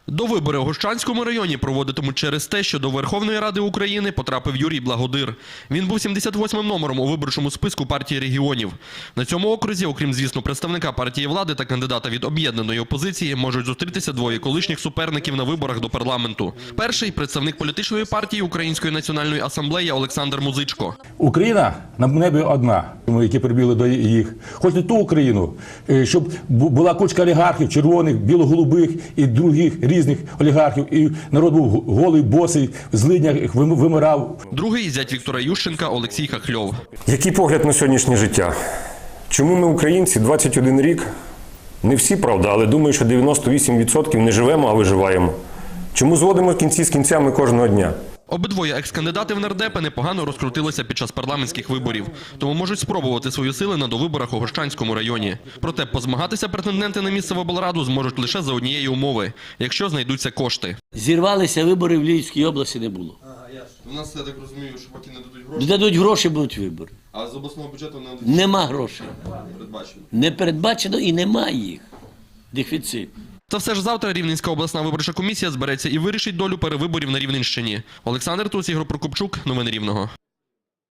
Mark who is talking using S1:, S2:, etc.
S1: Довибори у Гощанському районі проводитимуть через те, що до Верховної Ради України потрапив Юрій Благодир. Він був 78-м номером у виборчому списку партії регіонів. На цьому окрузі, окрім, звісно, представника партії влади та кандидата від об'єднаної опозиції, можуть зустрітися двоє колишніх суперників на виборах до парламенту. Перший – представник політичної партії Української національної асамблеї Олександр Музичко.
S2: Україна на небі одна, які прибігли до їх. Хоч не ту Україну, щоб була кучка олігархів, червоних, біло-голубих і других різних олігархів, і народ був голий, босий, в злиднях вимирав.
S1: Другий – зять Віктора Ющенка Олексій Хахльов.
S3: Який погляд на сьогоднішнє життя? Чому ми, українці, 21 рік, не всі, правда, але думаю, що 98% не живемо, а виживаємо? Чому зводимо кінці з кінцями кожного дня?
S1: Обидвоє екс-кандидати в нардепи непогано розкрутилися під час парламентських виборів, тому можуть спробувати свої сили на довиборах у Гощанському районі. Проте позмагатися претенденти на місце в облраду зможуть лише за однієї умови – якщо знайдуться кошти.
S4: Зірвалися вибори в Львівській області не було.
S1: У нас, я так розумію, що поки не дадуть гроші.
S4: Дадуть гроші, будуть вибори.
S1: А з обласного бюджету не
S4: Нема грошей.
S1: передбачено.
S4: Не передбачено і немає їх. Дефіцит.
S1: Та все ж завтра Рівненська обласна виборча комісія збереться і вирішить долю перевиборів на Рівненщині. Олександр Туц, Ігор Прокопчук. Новини Рівного.